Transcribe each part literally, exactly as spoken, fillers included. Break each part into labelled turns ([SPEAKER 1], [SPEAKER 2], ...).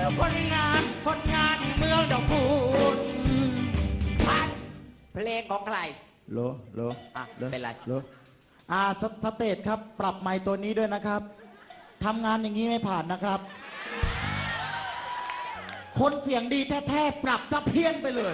[SPEAKER 1] คนงานคนงานเมืองดอกคูณ
[SPEAKER 2] ผ่านเพลงของใคร
[SPEAKER 1] โลโล
[SPEAKER 2] อ่ะเป็นไร
[SPEAKER 1] โลอ่าสเตทครับปรับไมค์ตัวนี้ด้วยนะครับทำงานอย่างนี้ไม่ผ่านนะครับคนเสียงดีแท้ๆปรับถ้าเพี้ยนไปเลย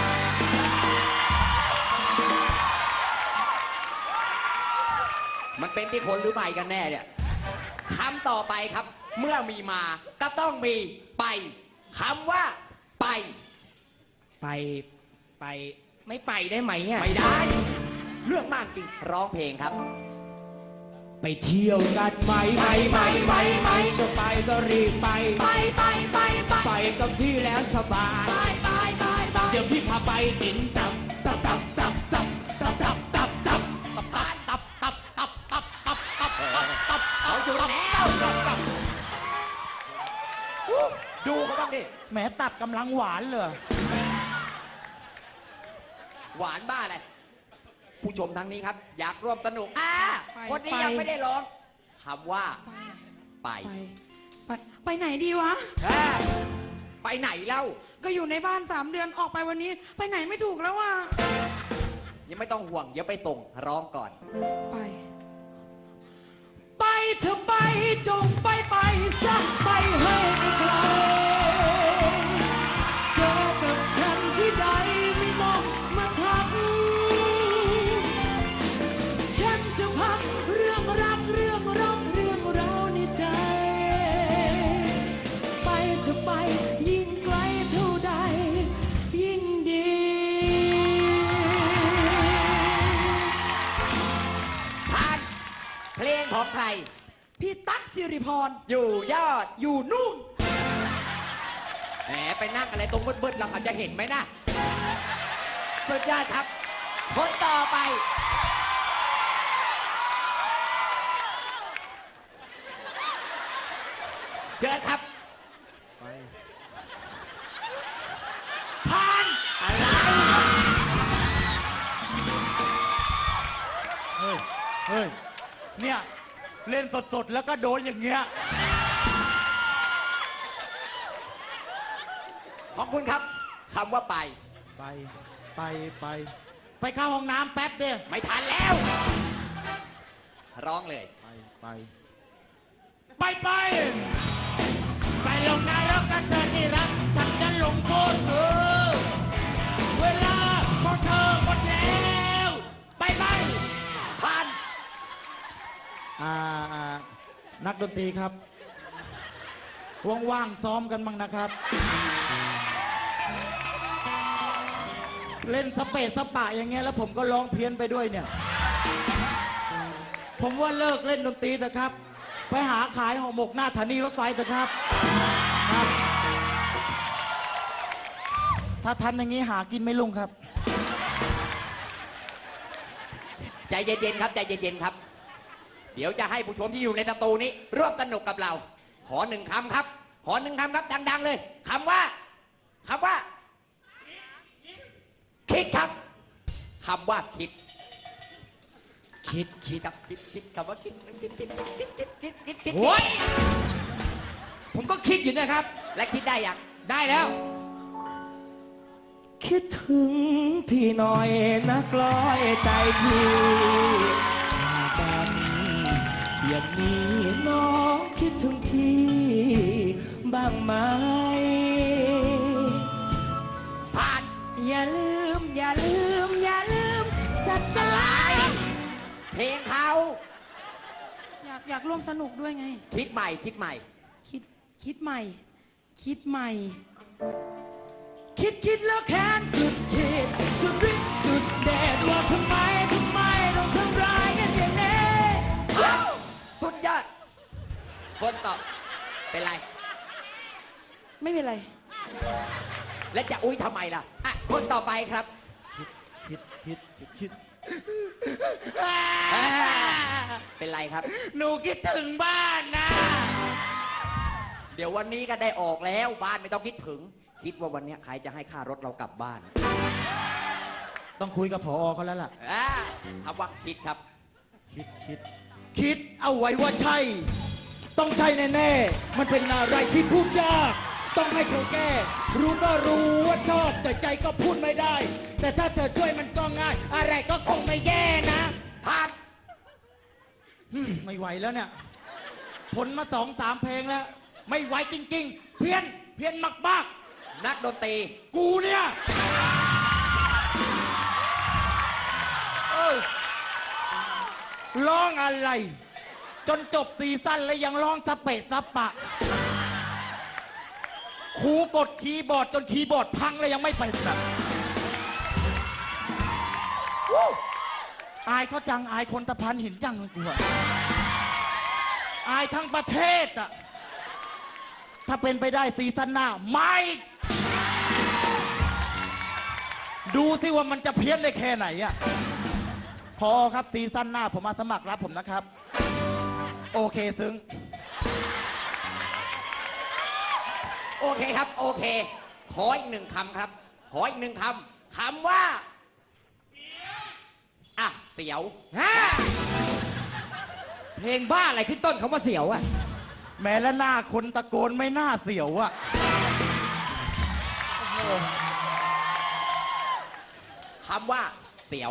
[SPEAKER 2] มันเป็นที่คนหรือไม่กันแน่เนี่ยคำต่อไปครับเมื่อมีมาก็ต้องมีไปคำว่าไป
[SPEAKER 3] ไปไปไม่ไปได้ไหมอ่ะ
[SPEAKER 2] ไม่ได้เรื่องมากจริงร้องเพลงครับ
[SPEAKER 3] ไปเที่ยวกันไหมไปไปไปไปจะไปก็รีบไป
[SPEAKER 4] ไปไปไปไป
[SPEAKER 3] ไปกับพี่แล้วสบาย
[SPEAKER 4] ไปไปไปไป
[SPEAKER 3] เดี๋ยวพี่พาไปกินตับตับตับตับตับตับตับตับตับตับตับตับตับตับตับตับตับตับ
[SPEAKER 2] เขาอยู่แล้วดูเขาบ้างดิ
[SPEAKER 1] แหมตับกำลังหวานเลย
[SPEAKER 2] หวานบ้าอะไรผู้ชมทางนี้ครับอยากร่วมสนุกอ่าคนนี้ยังไม่ได้ร้องคำว่าไป
[SPEAKER 4] ไปไปไหนดีวะ
[SPEAKER 2] ไปไหนเล่า
[SPEAKER 4] ก็อยู่ในบ้านสามเดือนออกไปวันนี้ไปไหนไม่ถูกแล้วว่ะ
[SPEAKER 2] ยังไม่ต้องห่วงเดี๋ยวไปส่งร้องก่อน
[SPEAKER 4] ไปไปเธอไปจงไปไปสักไปให้ไกลเจอกับฉันที่ใดไม่มองมาทักฉันจะพักเรื่องรักเรื่องรักเรื่องราวในใจไปเธอไปยิ่งไกลเท่าใดยิ่งดี
[SPEAKER 2] ผ่านเพลงของใคร
[SPEAKER 4] พี่ตั๊กสิริพร
[SPEAKER 2] อยู่ยอด
[SPEAKER 4] อยู่นู่น
[SPEAKER 2] แหมไปนั่งอะไรตรงมืดๆเราเขาจะเห็นไหมนะสุดยอดครับคนต่อไปเจอครับไปผ่านอะไร
[SPEAKER 1] เฮ้ยเฮ้ยเนี่ยเล่นสดๆแล้วก็โดนอย่างเงี้ย
[SPEAKER 2] ขอบคุณครับคำว่าไป
[SPEAKER 1] ไปไปไปไปเข้าห้องน้ำแป๊บเดียว
[SPEAKER 2] ไม่ทันแล้วร้องเลย
[SPEAKER 1] ไปไป
[SPEAKER 3] ไปไปไปลงนรกกันเธอที่รักฉันจะลงโทษเธอเวลาของเธอหมดแล้วไปไป
[SPEAKER 2] ผ่าน
[SPEAKER 1] อ่านักดนตรีครับว่างๆซ้อมกันบ้างนะครับเล่นสเปซสปะอย่างเงี้ยแล้วผมก็ร้องเพี้ยนไปด้วยเนี่ยผมว่าเลิกเล่นดนตรีเถอะครับไปหาขายห่อหมกหน้าสถานีรถไฟเถอะครับครับถ้าทำอย่างนี้หากินไม่ลุ่งครับ
[SPEAKER 2] ใจเย็นๆครับใจเย็นๆครับเดี๋ยวจะให้ผู้ชมที่อยู่ในสตูนี้ร่วมสนุกกับเราขอหนึ่งคำครับขอหนึ่งคำครับดังๆเลยคำว่าคำว่าคิดครับคำว่าคิดคิดคิดครับคิดคิดคำว่าคิดคิดคิดคิดคิดคิดคิดคิด
[SPEAKER 3] โอ้ยผมก็คิดอยู่นะครับ
[SPEAKER 2] และคิดได้ยัง
[SPEAKER 3] ได้แล้วคิดถึงพี่หน่อยนะกลอยใจพี่กันอย่างนี้น้องคิดถึงพี่บ้างไหม
[SPEAKER 2] ผ่าน
[SPEAKER 4] อย่าลืมอย่าลืมอย่าลืมสัจจะ
[SPEAKER 2] เพลงเขา
[SPEAKER 4] อยากอยากร่วมสนุกด้วยไง
[SPEAKER 2] คิดใหม่คิดใหม่
[SPEAKER 4] คิดคิดใหม่คิดใหม่คิดคิดแล้วแค้นสุดขีดสุดฤทธิ์สุดเดชว่าทำไมทำไมต้องทำร้ายกันอย่างนี้
[SPEAKER 2] สุดยอดคนตอบเป็นไร
[SPEAKER 4] ไม่เป็นไร
[SPEAKER 2] และจะอุ้ยทำไมล่ะอ่ะคนต่อไปครับ
[SPEAKER 1] คิดคิดคิดคิด
[SPEAKER 2] เป็นไรครับ
[SPEAKER 1] หนูคิดถึงบ้านนะ
[SPEAKER 2] เดี๋ยววันนี้ก็ได้ออกแล้วบ้านไม่ต้องคิดถึงคิดว่าวันนี้ใครจะให้ค่ารถเรากลับบ้าน
[SPEAKER 1] ต้องคุยกับผอ.เขาแล้วล่ะ
[SPEAKER 2] คำว่าคิดครับ
[SPEAKER 1] คิดคิดคิดเอาไว้ว่าใช่ต้องใช่แน่ๆมันเป็นอะไรที่พูดยาก
[SPEAKER 5] ต้องให้เธอแก้ รู้ก็รู้ว่าชอบแต่ใจก็พูดไม่ได้ แต่ถ้าเธอช่วยมันก็ง่าย อะไรก็คงไม่แย่นะ
[SPEAKER 2] ผ่าน
[SPEAKER 1] อืมไม่ไหวแล้วเนี่ยทนมาสองสามเพลงแล้ว ไม่ไหวจริง ๆ เพี้ยนเพี้ยนมากมาก
[SPEAKER 2] นักดนตรี
[SPEAKER 1] ๆกูเนี่ยเออร้องอะไร จนจบซีซั่นแล้วยังร้องสเปะสปะครูกดคีย์บอร์ดจนคีย์บอร์ดพังเลยยังไม่ไปแบบวู้อายเขาจังอายคนตะพานหินจังเลยกูอะอายทั้งประเทศอะถ้าเป็นไปได้ซีซั่นหน้าไม่ ดูสิว่ามันจะเพี้ยนได้แค่ไหนอะพอครับซีซั่นหน้าผมมาสมัครรับผมนะครับ โอเคซึ้ง
[SPEAKER 2] โอเคครับ โอเค ขออีกหนึ่งคำครับ ขออีกหนึ่งคำคำว่าอ่ะเสียว
[SPEAKER 3] ฮะเพลงบ้าอะไรขึ้นต้นคำว่าเสียวอะ
[SPEAKER 1] แม้และหน้าคนตะโกนไม่น่าเสียวอะ
[SPEAKER 2] คำว่าเสียว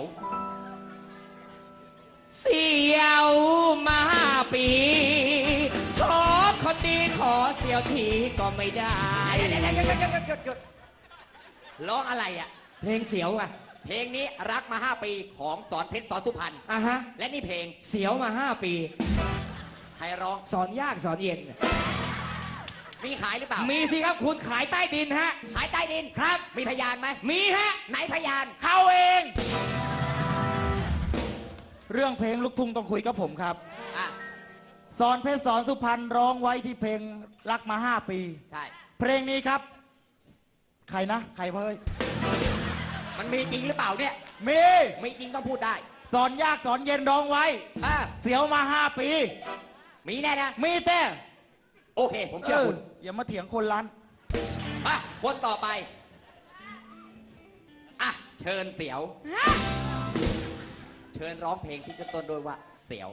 [SPEAKER 3] เสียวมาห้าปีโทษคนดีขอเสียวทีก็ไม่ได้
[SPEAKER 2] หยุดหยุดหยุดหยุดหยุดหยุดหยุดร้องอะไรอ่ะ
[SPEAKER 3] เพลงเสียวอะ
[SPEAKER 2] เพลงนี้รักมาห้าปีของสอนเพชรสอนสุพรรณ
[SPEAKER 3] อ่ะฮะ
[SPEAKER 2] และนี่เพลง
[SPEAKER 3] เสียวมาห้าปี
[SPEAKER 2] ใครร้อง
[SPEAKER 3] สอนยากสอนเย็น
[SPEAKER 2] มีขายหรือเปล่า
[SPEAKER 3] มีสิครับคุณขายใต้ดินฮะ
[SPEAKER 2] ขายใต้ดิน
[SPEAKER 3] ครับ
[SPEAKER 2] มีพยานไหม
[SPEAKER 3] มีฮะ
[SPEAKER 2] ไหนพยาน
[SPEAKER 1] เข้าเอง เรื่องเพลงลูกทุ่งต้องคุยกับผมครับ
[SPEAKER 2] อ่ะ
[SPEAKER 1] สอนเพชรสอนสุพรรณร้องไว้ที่เพลงรักมาห้าปี
[SPEAKER 2] ใช่
[SPEAKER 1] เพลงนี้ครับ ใครนะ ใครเพ้ย
[SPEAKER 2] มันมีจริงหรือเปล่าเนี่ย
[SPEAKER 1] มี
[SPEAKER 2] มีจริงต้องพูดได้
[SPEAKER 1] สอนยากสอนเย็นร้องไว้
[SPEAKER 2] อ่ะ
[SPEAKER 1] เสียวมาห้าปี
[SPEAKER 2] มีแน่นะ
[SPEAKER 1] มีแต่
[SPEAKER 2] โอเค ผมเชื่อคุณ
[SPEAKER 1] อย่ามาเถียงคนร้าน
[SPEAKER 2] มาคนต่อไป อ่ะ เชิญเสียว
[SPEAKER 4] ฮะ
[SPEAKER 2] เชิญร้องเพลงที่จะต้นโดยว่าเสียว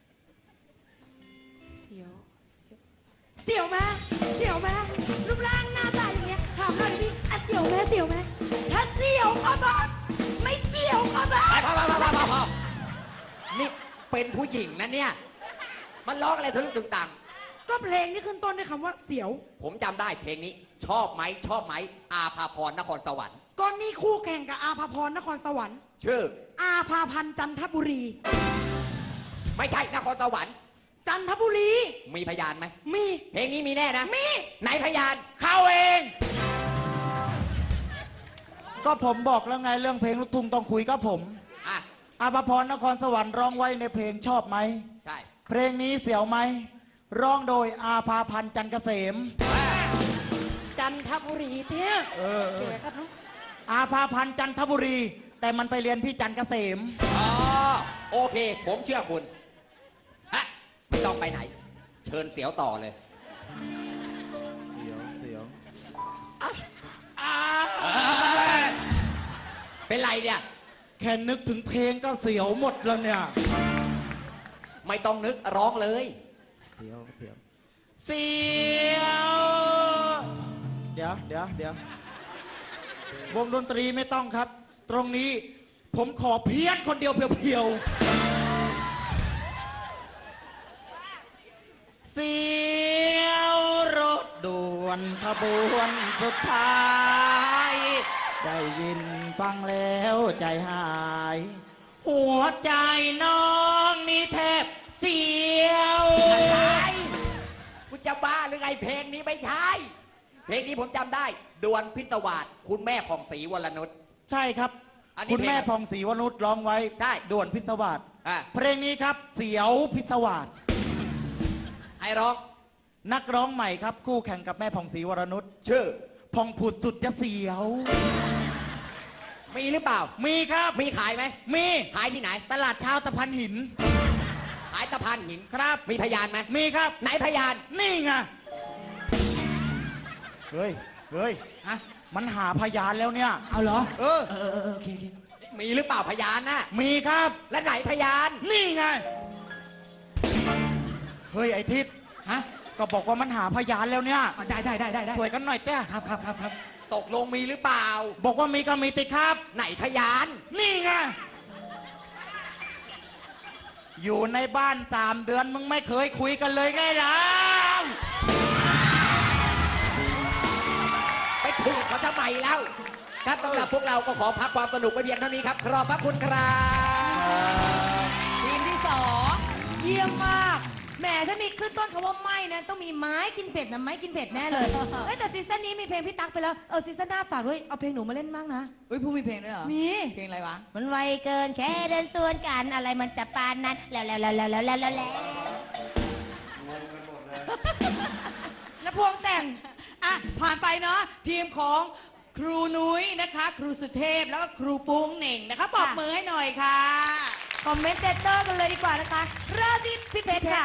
[SPEAKER 4] เสียว เสียว เสียวไหมเสียวไหมรูปร่างหน้าตาอย่างเงี้ย ถามหน่อยดิพี่อ่ะเสียวไหมเสียวไหมถ้าเสียวก็บอกไม่เสียวก็บอก
[SPEAKER 2] ไปพอพอพอพอพอพอนี่เป็นผู้หญิงนะเนี่ย มันร้องอะไรทะลึ่งตึงตัง
[SPEAKER 4] ก็เพลงที่ขึ้นต้นด้วยคำว่าเสียว
[SPEAKER 2] ผมจำได้เพลงนี้ ชอบไหมชอบไหม อาภาพรนครสวรรค์
[SPEAKER 4] ก็นี่คู่แข่งกับอาภาพรนครสวรรค์
[SPEAKER 2] ชื่อ
[SPEAKER 4] อาภาพันธ์จันทบุรี
[SPEAKER 2] ไม่ใช่นครสวรรค์
[SPEAKER 4] จันทบุรี
[SPEAKER 2] มีพยานไหม
[SPEAKER 4] มี
[SPEAKER 2] เพลงนี้มีแน่นะ
[SPEAKER 4] มี
[SPEAKER 2] ไหนพยาน
[SPEAKER 1] เข้าเอง ก็ผมบอกแล้วไงเรื่องเพลงลูกทุ่งต้องคุยกับผม
[SPEAKER 2] อ่ะ
[SPEAKER 1] อาภพรนครสวรรค์ร้องไว้ในเพลงชอบไหม
[SPEAKER 2] ใช่
[SPEAKER 1] เพลงนี้เสียวไหม ร้องโดยอาภาพันธ์จันทร์เกษม
[SPEAKER 2] อ่ะ
[SPEAKER 4] จันทบุรีเท่ย
[SPEAKER 1] เออเอ
[SPEAKER 4] แก
[SPEAKER 1] อ
[SPEAKER 4] ก็ทั้ง
[SPEAKER 1] อาภาพันธ์จันทบุรี แต่มันไปเรียนที่จันทร์เกษม
[SPEAKER 2] อ๋อ โอเค ผมเชื่อคุณฮะไม่ต้องไปไหน เชิญเสียวต่อเลย
[SPEAKER 1] เสียวเสียว
[SPEAKER 2] เอ้ยเป็นไรเนี่ย
[SPEAKER 1] แค่นึกถึงเพลงก็เสียวหมดแล้วเนี่ย
[SPEAKER 2] ไม่ต้องนึกร้องเลย
[SPEAKER 1] เสียวเสียวเสียว เดี๋ยวเดี๋ยวเดี๋ยววงดนตรีไม่ต้องครับ ตรงนี้ผมขอเพี้ยนคนเดียวเพียวๆ เสียวรถด่วนขบวนสุดท้าย ได้ยินฟังแล้วใจหาย หัวใจน้องนี่แทบเสียว
[SPEAKER 2] อะไรกูจะบ้าหรือไงเพลงนี้ไม่ใช่ เพลงนี้ผมจำได้ ดวนพิศวาสคุณแม่ของศรีวรนุช
[SPEAKER 1] ใช่ครับ
[SPEAKER 2] อันนี้
[SPEAKER 1] คุณแม่
[SPEAKER 2] เพลง
[SPEAKER 1] พองศรีวนุชร้องไว้
[SPEAKER 2] ใช่
[SPEAKER 1] ด่วนพิศวาส
[SPEAKER 2] อ่ะ
[SPEAKER 1] เพลงนี้ครับ เสียวพิศวาส
[SPEAKER 2] ให้ร้อง
[SPEAKER 1] นักร้องใหม่ครับ คู่แข่งกับแม่พองศรีวรนุช
[SPEAKER 2] ชื่อ
[SPEAKER 1] พองผุดสุดจะเสียว
[SPEAKER 2] มีหรือเปล่า
[SPEAKER 1] มีครับ
[SPEAKER 2] มีขายไหม
[SPEAKER 1] มี
[SPEAKER 2] ขายที่ไหน
[SPEAKER 1] ตลาดเช้าตะพันหิน
[SPEAKER 2] ขายตะพานหิน
[SPEAKER 1] ครับ
[SPEAKER 2] มีพยานไหม
[SPEAKER 1] มีครับ
[SPEAKER 2] ไหนพยาน
[SPEAKER 1] นี่ไง เฮ้ย เฮ้ย
[SPEAKER 3] ฮะ
[SPEAKER 1] มันหาพยานแล้วเนี่ย
[SPEAKER 3] เอาเหรอ
[SPEAKER 1] เออ
[SPEAKER 3] เออเออเออโอเคโอเค
[SPEAKER 2] มีหรือเปล่าพยานน่ะ
[SPEAKER 1] มีครับ
[SPEAKER 2] และไหนพยาน
[SPEAKER 1] นี่ไง เฮ้ย ไอทิศ
[SPEAKER 3] ฮะ
[SPEAKER 1] ก็บอกว่ามันหาพยานแล้วเนี่ย
[SPEAKER 4] อ่ะได้ได้ได้ได้ได้
[SPEAKER 1] ช่วยกันหน่อยเต้
[SPEAKER 4] ครับครับครับครับ
[SPEAKER 2] ตกลงมีหรือเปล่า
[SPEAKER 1] บอกว่ามีก็มีติครับ
[SPEAKER 2] ไหนพยาน
[SPEAKER 1] นี่ไง อยู่ในบ้านสามเดือนมึงไม่เคยคุยกันเลยไงล่ะ
[SPEAKER 2] ไปคุยกับเขาทำไมเล่าครับสำหรับพวกเราก็ขอพักความสนุกไปเพียงเท่านี้ครับขอบพระคุณครับ
[SPEAKER 6] ทีมที่สองเยี่ยมมากแหมถ้ามีขึ้นต้นคำว่าไม่นะต้องมีไม้กินเผ็ดนะไม้กินเผ็ดแน่เลยเอ้ยแต่ซีซั่นนี้มีเพลงพี่ตั๊กไปแล้วเออซีซั่นหน้าฝากด้วยเอาเพลงหนูมาเล่นบ้างนะ
[SPEAKER 4] เฮ้ยผู้มีเพลงด้วยเหรอ
[SPEAKER 6] มี
[SPEAKER 4] เพลงอะไรวะ
[SPEAKER 6] มันไวเกินแค่เดินสวนกันอะไรมันจะปานนั้นแล้วแล้วแล้วแล้วแล้วแล้วแล้วแล้วพวงแต่ง
[SPEAKER 4] อ่ะผ่านไปเนาะทีมของครูนุ้ยนะคะ ครูสุเทพแล้วก็ครูปุ้งเหน่งนะคะปรบมือให้หน่อยค่ะ
[SPEAKER 6] คอมเมนเตเตอร์กันเลยดีกว่านะคะเริ่มที่พี่เพชรค่ะ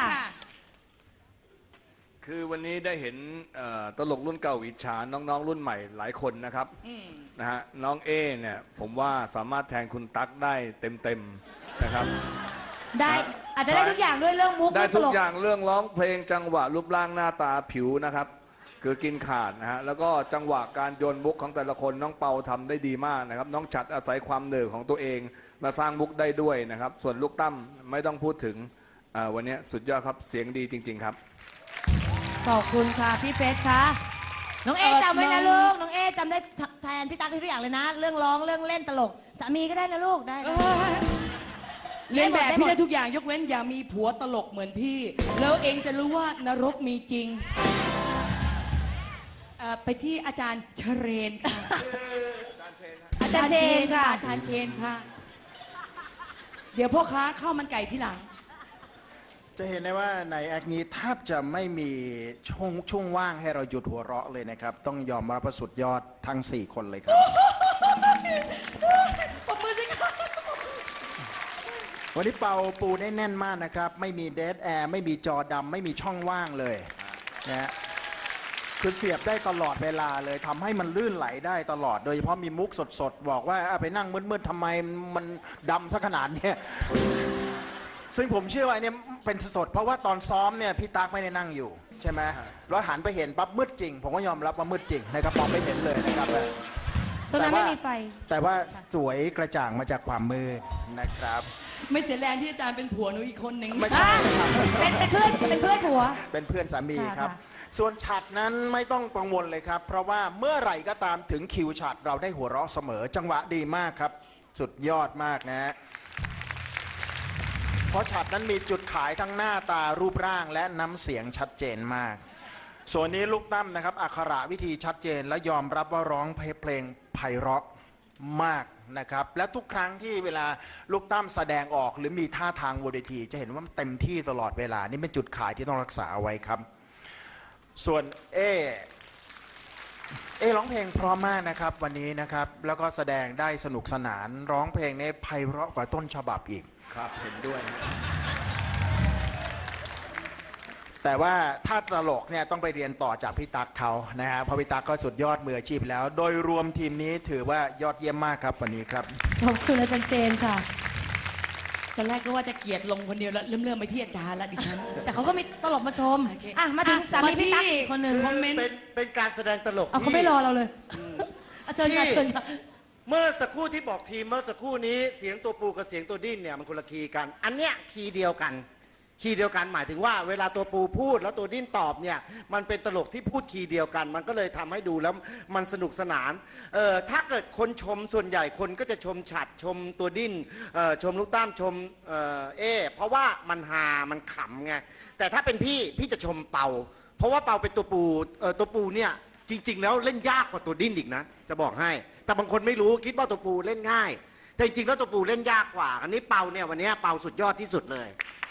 [SPEAKER 7] คือวันนี้ได้เห็นเอ่อตลกรุ่นเก่าอิจฉาน้องๆ รุ่นใหม่หลายคนนะครับนะฮะน้องเอเนี่ยผมว่าสามารถแทนคุณตั๊กได้เต็มๆนะครับ
[SPEAKER 6] ได้อาจจะได้ทุกอย่างด้วยเรื่องมุก
[SPEAKER 7] ได้
[SPEAKER 6] เรื่องต
[SPEAKER 7] ทุก
[SPEAKER 6] ลก
[SPEAKER 7] อย่างเรื่องร้องเพลงจังหวะรูปร่างหน้าตาผิวนะครับคือกินขาดนะฮะแล้วก็จังหวะการโยนมุกของแต่ละคนน้องเปาทำได้ดีมากนะครับน้องฉัดอาศัยความเหนื่อยของตัวเองมาสร้างมุกได้ด้วยนะครับส่วนลูกตั้มไม่ต้องพูดถึงอ่าวันนี้สุดยอดครับเสียงดีจริง ๆครับ
[SPEAKER 6] ขอบคุณค่ะพี่เพชรค่ะน้องเอ
[SPEAKER 4] เอ่อ
[SPEAKER 6] จำไว้
[SPEAKER 4] น้
[SPEAKER 6] นะ
[SPEAKER 4] อง
[SPEAKER 6] ลูกน้องเอจำได้แทนพี่ตั๊กทุกอย่างเลยนะ เรื่องร้องเรื่องเล่นตลกสามีก็ได้นะลูกได้
[SPEAKER 4] เอ
[SPEAKER 6] นะ
[SPEAKER 4] อเล่นแบบ
[SPEAKER 6] ได้หมด
[SPEAKER 4] พี่ได้ทุกอย่างยกเว้นอย่ามีผัวตลกเหมือนพี่ แล้วเองจะรู้ว่านรกมีจริงเอ่อไปที่อาจารย์เชเรนค่ะ
[SPEAKER 6] อาจารย์เชนค่ะ
[SPEAKER 4] อาจารย์เชนค่ะ เดี๋ยวพ่อค้าข้าวมันไก่ที่หลัง
[SPEAKER 5] จะเห็นได้ว่าในแอคนี้แทบจะไม่มีช่วงช่วงว่างให้เราหยุดหัวเราะเลยนะครับ ต้องยอมรับว่าสุดยอดทั้ง สี่ คนเลยครับ
[SPEAKER 4] ปรบมือสิครับ
[SPEAKER 5] วันนี้เป่าปูได้แน่นมากนะครับ ไม่มีเดดแอร์ไม่มีจอดำไม่มีช่องว่างเลยนะฮะคือเสียบได้ตลอดเวลาเลยทำให้มันลื่นไหลได้ตลอด โดยเฉพาะมีมุกสดๆ บอกว่าอ่ะไปนั่งมืดๆทำไมมันดำซะขนาดเนี้ยซึ่งผมเชื่อว่าเนี่ยเป็นสดเพราะว่าตอนซ้อมเนี่ยพี่ตั๊กไม่ได้นั่งอยู่ใช่ไหมแล้วหันไปเห็นปั๊บมืดจริง ผมก็ยอมรับว่ามืดจริงนะครับมองไม่เห็นเลยนะครับ
[SPEAKER 6] ตรงนั้นไม่มีไฟ
[SPEAKER 5] แต่ว่าสวยกระจ่างมาจากความมืดนะครับ
[SPEAKER 4] ไม่เสียแรงที่อาจารย์เป็นผัวหนูอีกคนหนึ่ง
[SPEAKER 5] ไม่ใช่ครับ
[SPEAKER 6] เป็นเป็นเพื่อนเป็นเพื่อนผัว
[SPEAKER 5] เป็นเพื่อนสามีครับ
[SPEAKER 6] ค่ะ
[SPEAKER 5] ส่วนฉัดนั้นไม่ต้องกังวลเลยครับ เพราะว่าเมื่อไหร่ก็ตามถึงคิวฉัดเราได้หัวเราะเสมอ จังหวะดีมากครับ สุดยอดมากนะฮะเพราะฉัดนั้นมีจุดขายทั้งหน้าตารูปร่างและน้ำเสียงชัดเจนมาก ส่วนนี้ลูกตั้มนะครับอักขระวิธีชัดเจนและยอมรับว่าร้องเพลงไพเราะมากนะครับและทุกครั้งที่เวลาลูกตั้มแสดงออกหรือมีท่าทางบนเวทีจะเห็นว่ามันเต็มที่ตลอดเวลานี่เป็นจุดขายที่ต้องรักษาเอาไว้ครับ ส่วนเอเอร้องเพลงเพราะมากนะครับวันนี้นะครับแล้วก็แสดงได้สนุกสนานร้องเพลงในไพเราะกว่าต้นฉบับอีก
[SPEAKER 7] ครับเห็นด้วยนะ
[SPEAKER 5] แต่ว่าถ้าตลกเนี่ยต้องไปเรียนต่อจากพี่ตั๊กเขานะฮะเพราะพี่ตั๊กก็สุดยอดมืออาชีพแล้ว โดยรวมทีมนี้ถือว่ายอดเยี่ยมมากครับวันนี้ครับ
[SPEAKER 6] ขอบคุณอาจารย์เชนค่ะ
[SPEAKER 4] ตอนแรกก็ว่าจะเกลียดลงคนเดียวแล้วเริ่มเริ่มไปที่อาจารย์แล้วดิฉัน
[SPEAKER 6] แต่เขาก็มีตลกมาชม
[SPEAKER 4] โอเค
[SPEAKER 6] อ่ะมาถึง
[SPEAKER 4] อ่ะ
[SPEAKER 6] สามี
[SPEAKER 4] มาที่
[SPEAKER 6] พี่ตั๊กอีกคนหนึ่ง
[SPEAKER 4] คอมเมนต์
[SPEAKER 8] เป็นเป็นการแสดงตลก
[SPEAKER 6] เอาเขา
[SPEAKER 8] ที่
[SPEAKER 6] ไม่รอเราเลยอ่ะเชิญค่ะ
[SPEAKER 8] ที่
[SPEAKER 6] เชิญค่ะ
[SPEAKER 8] เมื่อสักครู่ที่บอกทีมเมื่อสักครู่นี้เสียงตัวปูกับเสียงตัวดิ้นเนี่ยมันคนละคีย์กัน อันเนี้ยคีย์เดียวกัน คีย์เดียวกันหมายถึงว่าเวลาตัวปูพูดแล้วตัวดิ้นตอบเนี่ยมันเป็นตลกที่พูดคีย์เดียวกัน มันก็เลยทำให้ดูแล้วมันสนุกสนานเอ่อถ้าเกิดคนชมส่วนใหญ่คนก็จะชมฉัดชมตัวดิ้นเอ่อชมลูกตั้มชมเอ่อเอเพราะว่ามันฮามันขำไงแต่ถ้าเป็นพี่พี่จะชมเปาเพราะว่าเปาเป็นตัวปูเอ่อตัวปูเนี่ยจริง ๆ แล้วเล่นยากกว่าตัวดิ้นอีกนะจะบอกให้แต่บางคนไม่รู้คิดว่าตัวปูเล่นง่ายแต่จริงๆแล้วตัวปูเล่นยากกว่าอันนี้เปาเนี่ยวันนี้เปาสุดยอดที่สุดเลย